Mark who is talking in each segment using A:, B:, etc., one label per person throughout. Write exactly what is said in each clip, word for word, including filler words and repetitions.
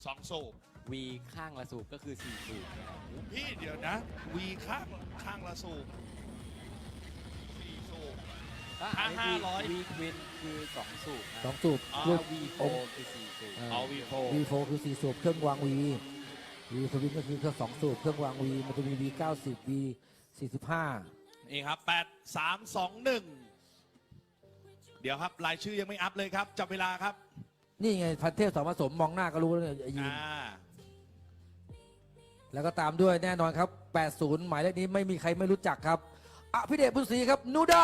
A: สองสูบ
B: วีข้างละสูบก็คือสี่สูบนะครับ
A: พี่เดี๋ยวนะวีข้างข้างละสูบสี่สูบ
B: ถ้า
A: ถ้าห้าร้อย
B: วีควินคือสองสูบนะ
C: สองสูบ
A: อ๋อ
C: ลู
B: ถ้าก วีโฟคือสี่สูบ
A: เอาวีโฟ
C: วีโฟคือสี่สูบเครื่องวางวีวีสวิตก็คือเครื่องสองสูบเครื่องวางวีมันจะมีวีเก้าสิบวีสี่สิบห้า
A: นี่ครับแปดสามสองหนึ่งเดี๋ยวครับรายชื่อยังไม่อัพเลยครับจับเวลาครับ
C: นี่ไงพันเทพสองผสมมองหน้าก็รู้แล้วเนี่ยไอ้ยีน
A: อ่า
C: แล้วก็ตามด้วยแน่นอนครับแปดสิบหมายเลขนี้ไม่มีใครไม่รู้จักครับอภิเดชบุญศรีครับนูดา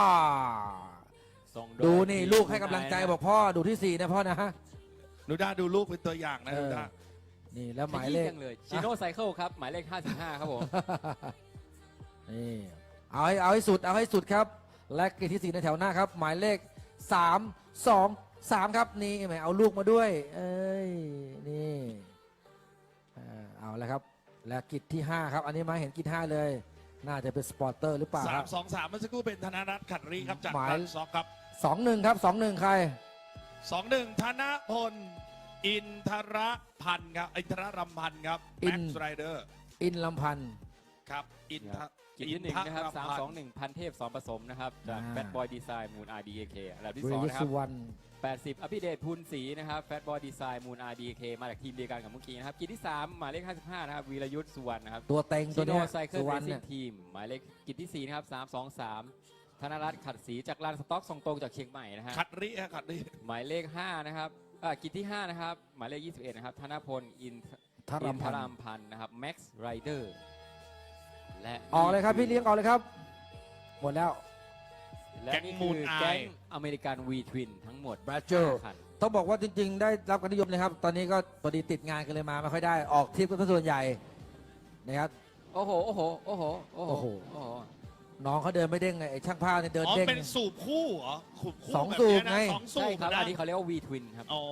B: ส่งโย
C: ดูนี่ลูกให้กำลังใจ
B: คุณ
C: บอกพ่อดูที่สี่นะพ่อนะฮะ
A: นูด้าดูลูกเป็นตัวอย่างนะ
C: เออ
A: นูด้า
C: นี่แล้วห
B: ข
C: มาย
B: ยี้
C: เลข
B: จังเลยชิโน่ไซเคิลครับหมายเลขห้าสิบห้าครับผม
C: นี่เอาให้เอาให้สุดเอาให้สุดครับ และเกมที่สี่ในแถวหน้าครับ หมายเลขสามสองสามครับนี่แหมเอาลูกมาด้วย เอ้ยนี่อ่าเอาแล้วครับ และกิจที่ห้าครับ อันนี้มาเห็นกิจห้าเลย น่าจะเป็นสปอร์เตอร์หรือเปล่า
A: สา
C: ครั
A: ม
C: บ
A: สองสามเมื่อสักครู่เป็นธนรัตน์ขัดรีครับจาก
C: หมาย
A: รันซ็อกครับ
C: สองหนึ่งครับสองหนึ่งใคร
A: สองหนึ่งธนพลอินทรพันธ์ครับอินทรรำพันธ์ครับ
C: อิ
A: แม็
C: น
A: กซ์ไรเดอร์
C: อินลำพันธ์
A: ครับอินทร
B: กิจที่หนึ่งนะครับ
A: อิท
B: สาม
A: พัธ์
B: สองหนึ่งพันเทพสอนผสมนะครับจาก
C: อ่า
B: แฟตบอยดีไซน์มูน อาร์ ดี เค อันดับที่
C: เว
B: สอง
C: ย
B: นะครั
C: สุ
B: บ
C: วรรณ
B: แปดสิบอภิเดชพูนศรีนะครับแฟตบอยดีไซน์มูน อาร์ ดี เค มาจากทีมเดียวกันกับเมื่อกี้นะครับกิจที่สามหมายเลขห้าสิบห้านะครับวีรยุทธ์สุวรรณนะครับ
C: ตัวเต็งตั
B: ชิ
C: ว
B: โน
C: เนี้ย
B: ไซเคิล
C: สุว
B: เร
C: รรณ
B: ซิ่
C: เนี่
B: ง
C: ย
B: ทีมหมายเลขกิจที่สี่นะครับสามสองสามธนรัตน์ขัดศรีจากลานสต็อกส่งตรงจากเชียงใหม่นะฮะ
A: ขัดรีฮะขัดรี
B: หมายเลขห้านะครับอ่ากิจที่ห้านะครับหมายเลขยี่สิบเอ็ดนะครับธนพลอิน
C: ทา
B: อิ
C: รั
B: น
C: ม
B: ท
C: พัน
B: ราม
C: ธ์
B: พันธ์นะครับแม็กซ์ไรเดอร์และ
C: ออกเลยครับพี่เลี้ยงออกเลยครับ หมดแล้ว
B: และนี่คือแก๊งอเมริกันวีทวินทั้งหมด
C: Badger
B: ห้าคัน
C: ต้องบอกว่าจริงๆ ได้รับการนิยมเลยครับ ตอนนี้ก็พอดีติดงานกันเลยมาไม่ค่อยได้ออกทริปกันส่วนใหญ่นะครับ
B: โอ้โหโอ้โหโอ้โหโอ้โห
C: โอ้โห
B: โอ้โห
C: น้องเขาเดินไม่เด้งไงไอ้ช่างภาพเนี่ยเดิน
A: อ๋อ
C: เด้ง
A: เป็นสูบคู่เหรอสูบคู่
C: สอง
A: แบบ
C: สูบ
A: เนี้ยนะ
C: ไง
A: สองสู
B: ใช่
A: บ
B: ครับ
A: นะ
B: อันนี้เขาเรียกว่าวีทวินครับ
A: อ๋อ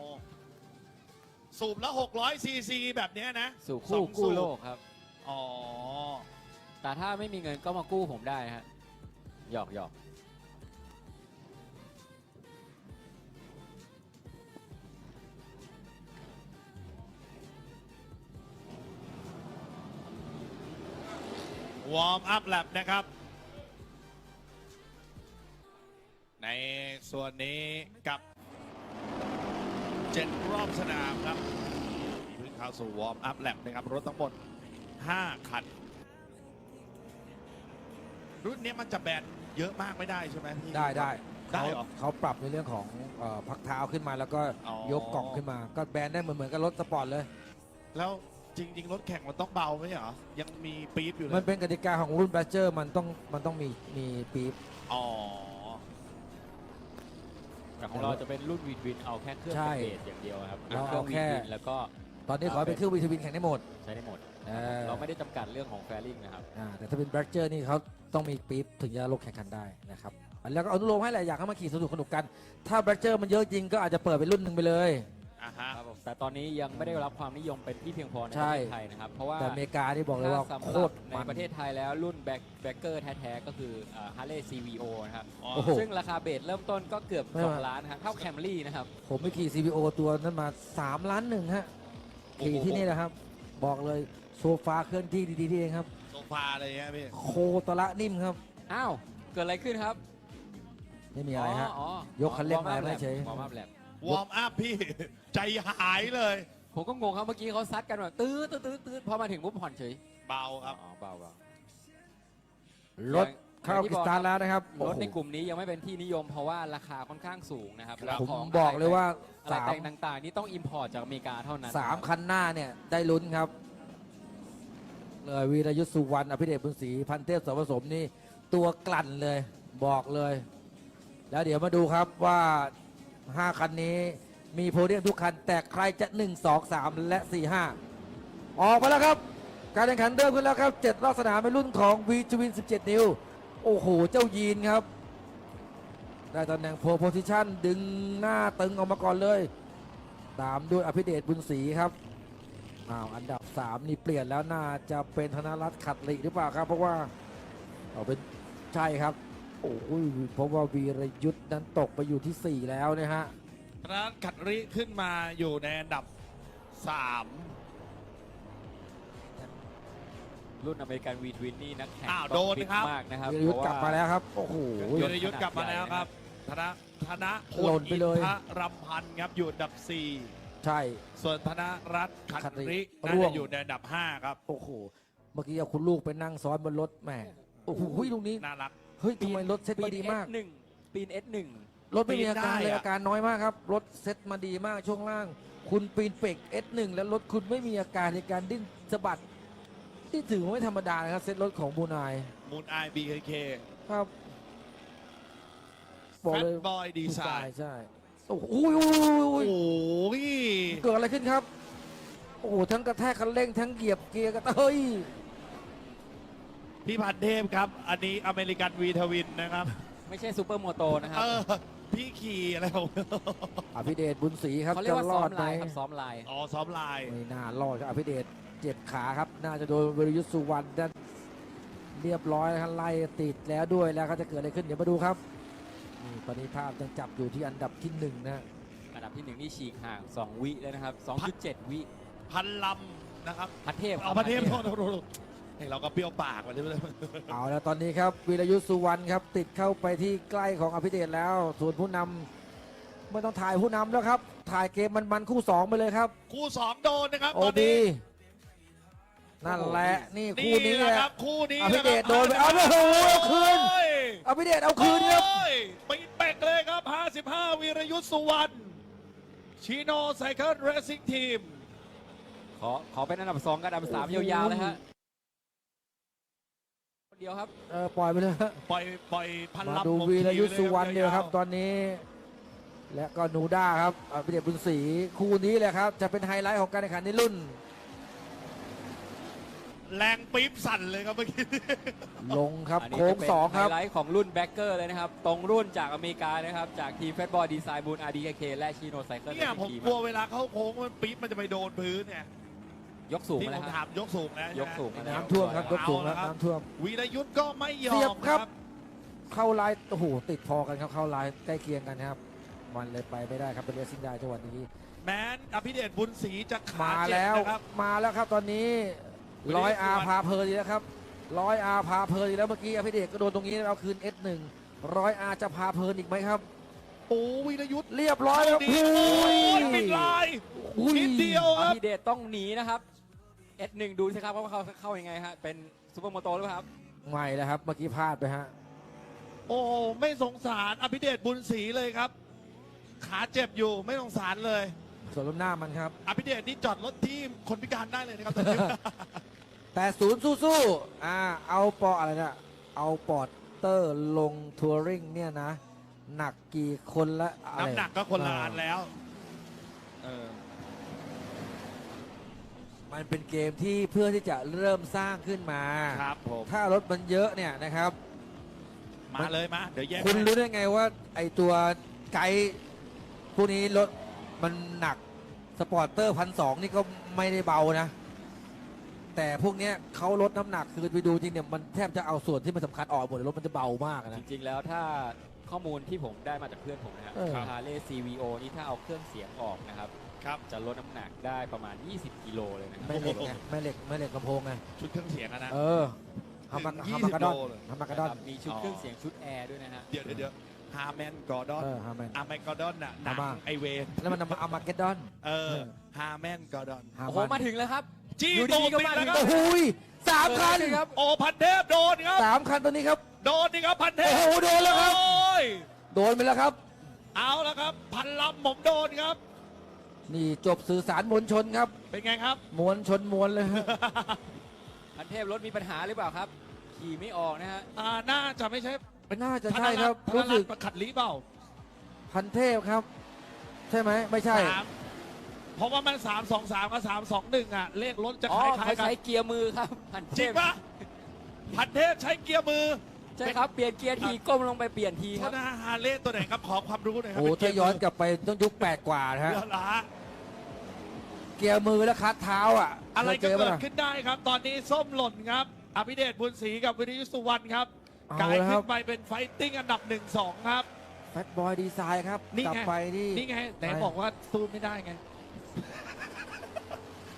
A: สูบละหกร้อยซีซีแบบเนี้ยนะ
B: สู่
A: ส
B: คู่
A: อง
B: กู้
A: สูบ
B: โลกครับ
A: อ๋อ
B: แต่ถ้าไม่มีเงินก็มากู้ผมได้ฮะหยอกหยอก
A: วอร์มอัพแลบนะครับ ในส่วนนี้กับเจ็ดรอบสนามครับเพิ่งเข้าสู่วอร์มอัพแลบนะครับ รถทั้งหมดห้าคัน รุ่นนี้มันจะแบนเยอะมากไม่ได้ใช่ไหมพี่
C: ได้ได้
A: ได้
C: เขา
A: เหรอ
C: เขาปรับในเรื่องของเอ่อพักเท้าขึ้นมาแล้วก็
A: อ๋อ
C: ยกกล่องขึ้นมา ก็แบนได้เหมือนเหมือนกับรถสปอร์ตเลย
A: แล้วจริง ๆ รถแข่งมันต้องเบาไหมเหรอ ยังมีปี๊บอยู่เล
C: มัน
A: ย
C: เป็นกติกาของรุ่นแบเจอร์มันต้องมันต้องมีมีปี๊บ
A: อ๋อ
B: แต่ของเราจะเป็นรุ่นวีทวินเอาแค่เครื่อง
C: ใช่
B: เบสอย่างเดียวครับ
C: เรา
B: เครื่
C: เอา
B: องวี
C: แค่
B: ทวินแล้วก็
C: ตอนนี้ขอให้เป็นเครื่องวีทวินแข่งได้หมด
B: ใช้ได้หมด
C: เออ
B: เราไม่ได้จำกัดเรื่องของแฟริ่งนะครับ
C: อ่าแต่ถ้าเป็นแบเจอร์นี่เขาต้องมีปี๊บถึงจะลงแข่งขันได้นะครับแล้วก็อนุโลมให้แหละอยากให้มาขี่สนุกสนุกกัน ถ้าแบเจอร์มันเยอะจริงก็อาจจะเปิดเป็นรุ่นหนึ่งไปเลย
A: อ่ะฮะ
B: ครับผมแต่ตอนนี้ยังไม่ได้รับความนิยมเป็นที่เพียงพอในป
C: ใช่
B: ระเทศไทยนะครับ เพราะว่า
C: แต่อเมริกาที่บอกเลยว่า
B: ถ้สำห
C: โค
B: รับ
C: ตร
B: ใน
C: มัน
B: ประเทศไทยแล้วรุ่นแบ็คแบ็คเกอร์แท้ๆก็คือฮาร์เลย์ ซี วี โอ นะครับ
A: อ๋อ
C: โอ้โห
B: ซึ่งราคาเบสเริ่มต้นก็เกือบ
C: ไม่
B: สอง
C: ว่า
B: ล้านนะครับเท่าแคมรี่นะครับ
C: ผมไปขี่ ซี บี โอ ตัวนั้นมาสามล้านหนึ่งฮะขี่ที่นี่แหละครับ บอกเลยโซฟาเคลื่อนที่ดีๆที่เองครับ
A: โซฟาอะไรเงี้ยพี่
C: โคตระนิ่มครับ
B: อ้าว เกิดอะไรขึ้นครับ
C: ไม่มีอะไรฮะ
B: อ๋อย
C: กคันเร่งมาไม่เฉย
B: วอร์มอัพแลบ
A: วอร์มอัพพี่ ใจหายเลย
B: ผมก็งงครับเมื่อกี้เขาซัดกันแบบตื้อตื้อตื้อตื้อพอมาถึงปุ๊บผ่อนเฉย
A: เบาครับ
B: อ๋อเบาเบาร
C: ถเข้ากิสตาร์ทแล้วนะครับ
B: รถในกลุ่มนี้ยังไม่เป็นที่นิยมเพราะว่าราคาค่อนข้างสูงนะครับแล้ว
C: ผม
B: ของ
C: บอกเลยว่า
B: อะไร
C: สาม
B: แต่งต่างๆ นี่ต้องอิมพอร์ตจากอเมริกาเท่านั้น
C: สามคันหน้าเนี่ยได้ลุ้นครับเลยวีรยุทธสุวรรณอภิเดชบุญศรีพันเทพสมผสมนี่ตัวกลั่นเลยบอกเลย แล้วเดี๋ยวมาดูครับว่าห้าคันนี้มีโพเดียมทุกคัน แต่ใครจะหนึ่ง สอง สามและสี่ ห้าออกมาแล้วครับ การแข่งขันเริ่มขึ้นแล้วครับเจ็ดรอบสนามในรุ่นของวีจูวินสิบเจ็ด นิ้ว โอ้โห เจ้ายีนครับ ได้ตำแหน่งโพโพซิชันดึงหน้าตึงออกมาก่อนเลย ตามด้วยอภิเดชบุญศรีครับอ้าวอันดับสามนี่เปลี่ยนแล้วน่าจะเป็นธนรัตน์ขัดหลีหรือเปล่าครับ เพราะว่าเอาเป็นใช่ครับ โอ้ยเพราะว่าวีรยุทธ์นั้นตกไปอยู่ที่สี่แล้วนะฮะ
A: ร้านขัดริขึ้นมาอยู่ในอันดับสาม
B: รุ่นอเมริกันวีทวินนี่นักแข่ง
A: อ้าว
B: ต้อง
A: โดน
B: ฟิต
A: ครับ
B: มากนะครับ
C: วีรยุทธ์กลับมาแล้วครับ โอ้โห
A: วีรยุทธ์กลับมาแล้วครับ ธนธนพ
C: หล่นไปเลย
A: อินทรำพันธ์ครับอยู่อันดับสี่
C: ใช่
A: ส่วนธนรัตน์ขัน
C: ขันริ
A: ริน่า
C: ร่ว
A: จะ
C: ง
A: อยู่ในอันดับห้าครับ
C: โอ้โห เมื่อกี้เอาคุณลูกไปนั่งซ้อนบนรถแหมโอ้โหตรงนี้
A: น่ารัก
C: เฮ้ยทำไมรถเซ็ตมาดีมาก
B: หนึ่งปีน เอส หนึ่ง
C: รถไม่มีอาการ
A: ปีนได้
C: เลย
A: อะ
C: อาการน้อยมากครับ รถเซ็ตมาดีมากช่วงล่าง คุณปีนเป็ก เอส หนึ่ง แล้วรถคุณไม่มีอาการในการดิ้นสะบัดที่ถือว่าไม่ธรรมดานะครับเซ็ตรถของบูนาย
A: มูนไอบีเคเค
C: ครับ
A: แฟตบอยดีไซน์
C: ใช่โอ้โหอุ้ยอุ้ยอุ้ย
A: โอ้
C: อุ้ย
A: ย
C: เกิดอะไรขึ้นครับ โอ้โหทั้งกระแทกคันเร่งทั้งเหยียบเกียร์กระเฮ้ย
A: พี่พันเทพครับ อันนี้อเมริกันวีทวินนะครับ
B: ไม่ใช่ซูเปอร์โมโตนะครับ
A: เออ พี่ขี่อะไรของ
C: อภิเดชบุญศรีครับ
B: เขาเรียก
C: จะ
B: ว่าร ซ้
C: อ
B: อ
C: ด
B: ม
C: ไหม
B: ลายครับซ้อมลาย
A: อ๋อซ้อมลาย
C: ไม่น่ารอดครับอภิเดชเจ็บขาครับ น่าจะโดนวิรยุทธสุวรรณนั่นเรียบร้อยแล้วครับไล่ติดแล้วด้วยแล้วเขาจะเกิดอะไรขึ้นเดี๋ยวมาดูครับนี่ตอนนี้ภาพยังจับอยู่ที่อันดับที่หนึ่งนะ
B: อันดับที่หนึ่งนี่ฉีกห่างสองวิแล้วนะครับสองจุดเจ็ดวิ
A: พันลำนะครับ
B: พันเทพ
A: เอาพันเทพโทษโทษโทษเฮ้ยเราก็เปรี้ยวปากมาเลย
C: เอาแล้วตอนนี้ครับวิรยุทธสุวรรณครับติดเข้าไปที่ใกล้ของอภิเดชแล้ว ส่วนผู้นำไม่ต้องถ่ายผู้นำแล้วครับ ถ่ายเกมมันๆคู่สองไปเลยครับ
A: คู่สองโดนนะครับ
C: โอ
A: ตอน
C: บี
A: นี้
C: นั่นแหละนี่คู่
A: นี่
C: นี้
A: แห
C: แห
A: ละ
C: ละ
A: ครับคู่นี้
C: อภิเดช
A: ะครับ
C: โดนไปเอาเลยโอ้โหเอาคืน
A: โอ้ย
C: อภิเดชเอาคืนครับ
A: โอ้ยปีนเป็กเลยครับ ห้าสิบห้า วีรยุทธสุวรรณชิโนไซเคิลเรซิ่งทีม
B: ขอขอเป็นอันดับสองกับอันดับสาม
C: โอ้โห
B: ยาวๆเลยฮะคนเดียวครับ
C: เออปล่อยไปเลยฮะ
A: ปล่อยปล่อยพัน
C: มา
A: ลำ
C: ดู
A: ผม
C: วีรยุทธ
A: ขี่
C: สุวรรณ
A: ล
C: เดียวครับ
A: า
C: ตอนนี้ และก็หนูด้าครับอภิเดชบุญศรีคู่นี้แหละครับ จะเป็นไฮไลท์ของการแข่งขันในรุ่น
A: แรงปี๊บสั่นเลยครับเมื่อกี้
C: ลงครับ
B: อันนี้
C: โค้ง
B: จะเป็น
C: สองครับ
B: ไฮไลท์ของรุ่นแบ็คเกอร์เลยนะครับ ตรงรุ่นจากอเมริกานะครับ จากทีมแฟตบอลดีไซน์บูน อาร์ ดี เค และชิโนไซเคิล
A: เนี่ยผมกลัวเวลาเข้าโค้งมันปี๊บมันจะไปโดนพื้นเนี่ย
B: ยกสูง
A: ที่
B: มา
A: ผ
B: แล้ว
A: ม
B: ค
A: ถา
B: รับ
A: มยกสูงนะ
B: ยกสูงมาแล้ว
C: น้ำท่วมครับยกสูง
A: เอา
C: แล้
A: ละ
C: ว
A: ครับ
C: น้ำท่วม
A: วีรยุทธก็ไม่ยอ
C: เสีย
A: ม
C: บ
A: ค
C: ครั
A: รับ
C: บ เข้าลายโอ้โหติดพอกันครับเข้าลายใกล้เคียงกันครับ มันเลยไปไม่ได้ครับเป็นเรซิ่งได้จังหวะนี้
A: แม้นอภิเดชบุญศรีจะขา
C: มา
A: เจ็บ
C: แล้ว
A: นะครับ
C: มาแล้วครับตอนนี้
A: วิล
C: ร้อย
A: ลี่
C: อา
A: สุวรรณ
C: พาเพลินอีกแล้วครับร้อยอาพาเพลินอีกแล้วเมื่อกี้อภิเดชก็โดนตรงนี้เอาคืน เอส หนึ่ง ร้อยอาจะพาเพลินอีกไหมครับ
A: โอ้วีรยุทธ
C: เรียบร้อยแล้ว
A: ดี
C: โอ้
A: โอ้
C: ย
A: ยปิดลาย
C: อุ้ย
A: นิดเดียว
B: อ
A: ครับ
B: ภิเดชต้องหนีนะครับ เอส หนึ่ง ดูสิครับว่าเขาเข้ายังไงฮะ เป็นซูเปอร์โมโตหรือเปล่าครับ
C: ไม่แล้วครับเมื่อกี้พลาดไปฮะ
A: โอ้ไม่สงสารอภิเดชบุญศรีเลยครับ ขาเจ็บอยู่ไม่สงสารเลย
C: ส่วนล้มหน้ามันครับ
A: อภิเดชนี่จอดรถที่คนพิการได้เลยนะครับตอนนี้
C: แต่ศูนย์สู้ๆอ่าเอาปออะไรนะเอาปอดเตอร์ลงทัวริงเนี่ยนะ หนักกี่คนละอะไร
A: น้ำหนักก็คนละอันแล้วเออ
C: มันเป็นเกมที่เพื่อที่จะเริ่มสร้างขึ้นมา
A: ครับผม
C: ถ้ารถมันเยอะเนี่ยนะครับ
A: มาเลยมา เดี๋ยวแยก
C: คุณ
A: ให้
C: รู้ได้ไงว่าไอตัวไกด์พวกนี้รถมันหนักสปอร์เตอร์พันสองนี่ก็ไม่ได้เบานะ แต่พวกเนี้ยเขาลดน้ำหนักคือไปดูจริงเนี่ยมันแทบจะเอาส่วนที่มันสำคัญออกหมดเลยรถมันจะเบามาก
B: จ
C: นะ
B: ริงๆ แล้วถ้าข้อมูลที่ผมได้มาจากเพื่อนผมนะครับ
C: เออ
B: ฮาร์เลย์ ซี วี โอ นี่ถ้าเอาเครื่องเสียงออกนะครับ
A: ครับ
B: จะลดน้ำหนักได้ประมาณ ยี่สิบ กิโลเลยนะครับ
C: แม่เหล็กไงแม่เหล็กแม่เหล็กลำโพงไง
A: ชุดเครื่องเสียงอะนะ
C: เออฮามา
A: ถึง
C: ฮามากาดอน
A: ยี่สิบโลเลย
C: ฮามากาดอน
B: มีชุดเครื่องเสียงชุดแอร์ด้วยนะฮะ
A: เดี๋ยวเดี๋ยวเดี๋ยวฮาร์แมนกอร์ดอน
C: เออฮาแมน
A: อาร์แมนกอร์ดอนน่ะหนัง
C: ฮามา
A: ไอเวน
C: แล้วมันเอามาเกดดอน
A: เออฮาร์แมนกอร์ดอน
C: ฮา
B: โอ้โห
C: มา
B: มาถึงแล้วครับ
A: จี้
B: อยู่
A: ตู
B: ดี
A: ด
B: ๆก็
A: ติด
B: มา
A: แล้ว
B: ถึง
A: ครับ
C: โอ้โหสามคัน
B: ครับ
A: โอ้พันเทพโดนครับ
C: สามคันตัวนี้ครับ
A: โดนนี่ครับพันเทพ
C: โอ้โหโดนแล้วครับ
A: โอ้ย
C: โดนไปแล้วครับ
A: เอาแล้วครับ พันลำผมโดนครับ
C: นี่จบสื่อสารมวลชนครับ
A: เป็นไงครับ
C: มวลชนมวลเลยฮะ
B: พันเทพรถมีปัญหาหรือเปล่าครับ ขี่ไม่ออกนะฮะ
A: อ่าน่าจะไม่ใช่
C: น่าจะใช่ครับ
A: ธน
C: รู้
A: รั
C: สึ
A: ต
C: ก
A: น์ขัดลีเปล่า
C: พันเทพครับ ใช่ไหมไม่ใช่
A: สามเพราะว่ามันสามสองสามกับสามสองหนึ่งอ่ะ เลขรถจะ
B: อ๋อ
A: คล้าย
B: เขา
A: ๆกัน
B: ใช้เกียร์มือครับพันเท
A: จริง
B: พ
A: ปะพันเทพใช้เกียร์มือ
B: ใช่ครับ เปลี่ยนเกียร์ทีก้มลงไปเปลี่ยนที
A: โท
B: ครั
A: ษ
B: บ
A: นะฮะฮาร์เลย์ตัวไหนครับ ขอความรู้หน่อยครั
C: โอ้ถ้าย้อนกลับไปต้องยุคแปดกว่านะฮะ
A: เรือละ
C: เกียร์มือและคัดเท้าอ่ะ
A: อะไร
C: เค
A: ก็
C: ยเจอ
A: เกิ
C: ปะ
A: ด
C: ล่ะ
A: ขึ้นได้ครับ ตอนนี้ส้มหล่นครับ อภิเดชบุญศรีกับวิริยุทธสุวรรณครับ
C: เอา
A: กลาย
C: แล้วค
A: ขึ้
C: รับ
A: นไปเป็นไฟติ้งอันดับหนึ่งสองครับ
C: แฟตบอยดีไซน์ครับ
A: นี่
C: กลับ
A: ไง
C: ไปที่
A: นี่ไงไหน
C: ไป
A: บอกว่าสู้ไม่ได้ไง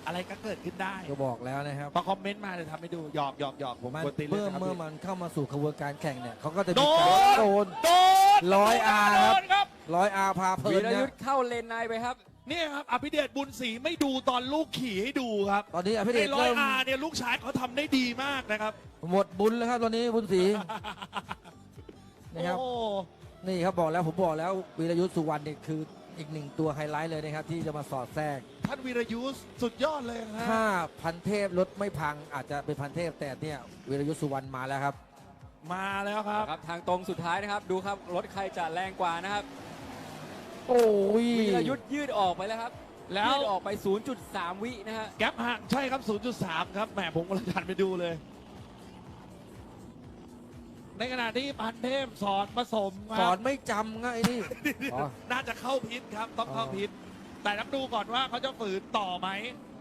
A: อะไรก็เกิดขึ้นได้
C: ก็บอกแล้วนะครับ
A: พอคอมเมนต์มาเลยทำให้ดูหยอกหยอกหยอกผม
C: มัน
A: กดตีนเล
C: เมื่
A: ย
C: อ
A: นะครับ
C: เมื่อ
A: พี่
C: มันเข้ามาสู่ขบวนการแข่งเนี่ยเขาก็จะ
A: โด
C: มีการ
A: น
C: โดน
A: โดน
C: ร้อยอาร์ครับ
A: โดนครับ
C: ร้อยอาพาเพลิ
B: วี
C: น
B: ร
C: เนี่
B: ยุ
C: ย
B: ทธ์เข้าเลนในไปครับ
A: เนี่ยครับอภิเดชบุญศรีไม่ดูตอนลูกขี่ให้ดูครับ
C: ตอนนี้อภิเด
A: ไอ้
C: ช
A: ร้อย
C: เริ่ม
A: อาร์เนี่ยลูกชายเขาทำได้ดีมากนะครับ
C: หมดบุญแล้วครับตอนนี้บุญศรีนะครับ
A: โอ้
C: นี่ครับบอกแล้วผมบอกแล้ววีรยุทธ์สุวรรณนี่คืออีกหนึ่งตัวไฮไลท์เลยนะครับที่จะมาสอดแทรก
A: ท่านวีรยุทธ์สุดยอดเลยนะ
C: ถ้าพันเทพรถไม่พังอาจจะเป็นพันเทพแต่เนี่ยวีรยุทธ์สุวรรณมาแล้วครับ
A: มาแล้วครับ
B: ครับทางตรงสุดท้ายนะครับ ดูครับรถใครจะแรงกว่านะครับ
C: โอ้ย
B: วีรยุทธ์ยืดออกไปแล้วครับ
A: แล้ว
B: ยืดออกไป ศูนย์จุดสาม วินะฮะ
A: แก๊ปห่างใช่ครับ ศูนย์จุดสาม ครับแหมผมกำลังหันไปดูเลย ในขณะที่พันเทพสอนผสมค
C: สอ
A: รั
C: น
A: บ
C: ไม่จำง่ายนี่อ๋อ
A: น่าจะเข้าพิษครับ ต้องเข้า
C: อ๋อ
A: พิษแต่ต้องดูก่อนว่าเขาจะฝืนต่อไหม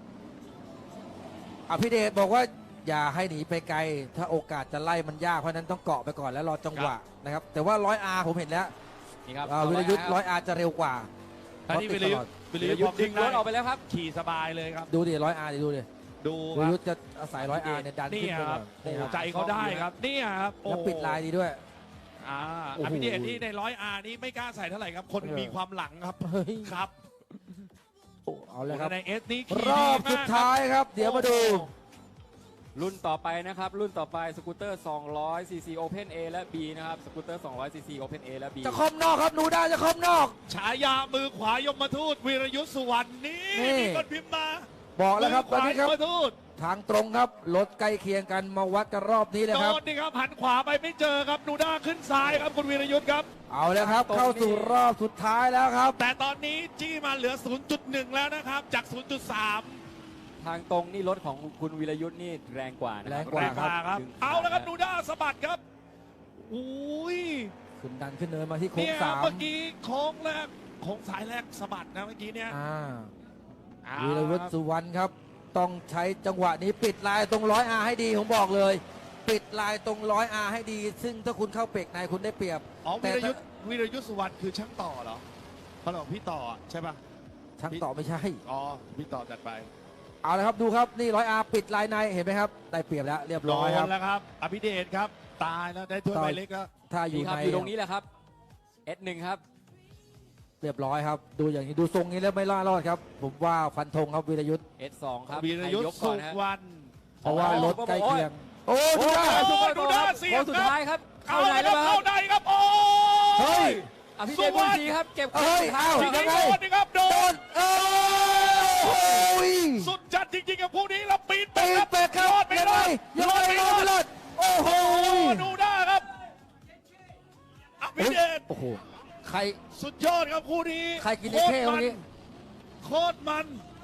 C: อภิเดชบอกว่าอย่าให้หนีไปไกล ถ้าโอกาสจะไล่มันยากเพราะฉะนั้นต้องเกาะไปก่อนแล้วรอจังหวะนะครับแต่ว่าร้อยอาผมเห็นแล้ว
B: นี่ครับ
C: อ่าวีรยุทธ์ร้อยอาจะเร็วกว่า
A: อันนี้
C: เพ
A: วิ
C: ราะ
A: ล
C: ติด
A: ยุ
C: ต
A: ท
C: ลอด
A: ธ์วิลยุทธ์
B: ดึงรถออกไปแล้วครับ
A: ขี่สบายเลยครับ
C: ดูดิร้อยอาดิดูดิ
A: ดู
C: วี
A: ค
C: ร
A: รับ
C: ยุทธ์จะอาศัยร้อยอาเนี่ยดัน
A: นี่
C: ขึ้นไป
A: ค
C: ก่
A: รั
C: อบ น
A: โอ้
C: นี่ครับ
A: ใจเขาได้ครับนี่ครับโอ้
C: แล้วปิดลายดีด้วย
A: อ่า
C: โอ้โห
A: อภิเดชนี่ในร้อยอาร์นี่ไม่กล้าใส่เท่าไหร่ครับ คน
C: เออ
A: มีความหลังครับ
C: เฮ้ย
A: ครับ
C: โอ้เอาเลยครับ
A: ในเอสนี่ขี่
C: รอบ
A: ดีมก
C: สุดท้ายครับ เดี๋ยวมาดู
A: โอ้โห
B: รุ่นต่อไปนะครับ รุ่นต่อไปสกูตเตอร์ สองร้อย ซี ซี Open A และ B นะครับ สกูตเตอร์ สองร้อย ซี ซี Open A และ B
C: จะคอมนอกครับหนูได้จะคอมนอก
A: ฉายามือขวายมทูตวีรยุทธ์สุวรรณนี่
C: นี่
A: มีคนพิมพ์มา
C: บอกแล้วครับต
A: มื
C: อน
A: ขวา
C: นี้ครับ
A: ยมทูต
C: ทางตรงครับรถใกล้เคียงกันมาวัดกันรอบนี้เลย
A: โด
C: ครับ
A: นนี่ครับหันขวาไปไม่เจอครับนูด้าขึ้นซ้ายครับคุณวีรยุทธ์ครับ
C: เอาแล้วครับ
B: ตรงนี้
C: เข้าสู่รอบสุดท้ายแล้วครับ
A: แต่ตอนนี้จี้มาเหลือ ศูนย์จุดหนึ่ง แล้วนะครับ จาก ศูนย์จุดสาม
B: ทางตรงนี่รถของคุณวีรยุทธ์นี่แรงกว่านะค
C: แร
B: รับ
C: งกว่า
A: แรงกว่าครับ
B: ดึง
A: เอาแล้วครับ
B: นะ
A: นูด้าสะบัดครับอุ้ย
C: ขึ้นดันขึ้นเนินมาที่โค้ง
A: เนี่ย
C: สาม
A: เมื่อกี้โค้งแรกโค้งสายแรกสะบัดนะเมื่อกี้เนี่ย
C: อ่า
A: เอา
C: วีรวุฒิสุวรรณครับ ต้องใช้จังหวะนี้ปิดลายตรงร้อยอาให้ดีผมบอกเลย ปิดลายตรงร้อยอาให้ดี ซึ่งถ้าคุณเข้าเปกในคุณได้เปรียบ
A: อ๋อ
C: แต่
A: วีร
C: ถ้า
A: ยุทธ์วีรยุทธ์สุวรรณคือช่างต่อเหรอเขาบอกพี่ต่อใช่ป่ะ
C: ช่างต่อไม่ใช่
A: อ๋อพี่ต่อจัดไป
C: เอาละครับดูครับนี่ร้อยอาปิดลายในเห็นไหมครับ ได้เปรียบแล้วเรียบร้อยครับ
A: โดนแล้วครับ อภิเดชครับ ตายแล้วได้ถ้วย
C: ต่อ
A: ใบเล็กแล้ว
C: ถ้าอ
B: นี่
C: ยู่
B: ครับ
C: ใน
B: อยู่ตรงนี้แหละครับ เอส หนึ่ง ครับ
C: เรียบร้อยครับ ดูอย่างนี้ดูทรงนี้แล้วไม่ล่ารอดครับ ผมว่าฟันธงครับวีรยุทธ์
B: เอส สอง ครับ
A: วีรยุท
B: ใคย
A: ธ์
B: กก่
A: สุ
B: อนฮะ
A: วรรณ
C: เพราะว่า
B: โอ้
C: รถใกล้เคียง โอ้
B: โอ้
C: ดูได้
B: ยซุปเปอร์
A: ดู
B: โก
A: ด้า
B: ครับ
A: เสียบ
B: โค้งสุด
A: ครับ
B: ท้ายครับ เข้า
A: เอา
B: ไหน
A: แล้ว
B: แล้ว
A: เข้า
B: ครับ
A: ในครับโอ้
C: เฮ้ย
B: อภิเดชบุญศรีครับ เก็บ
C: เฮ้ย
B: ท้า
C: อ้าว
B: ย
A: จริง
B: ค
A: ๆ
B: รับ
A: โดนนี่ครับโด
C: โด
A: น
C: นเอ้ย
A: สุดจัดจริงๆกับคู่นี้แล้วปีนไป
C: ตี
A: ครับ
C: เป็ดครับ
A: รอดไม่
C: ยัง
A: ร
C: ไง
A: อด
C: ยังไงรอดไม่รอดโอ้โห
A: โอ้ดูได้ครับอภิเดช
C: โอ้โหใคร
A: สุดยอดครับคู่นี้
C: ใครกินไอ้เข้เมื่อกี้
A: โคตรมัน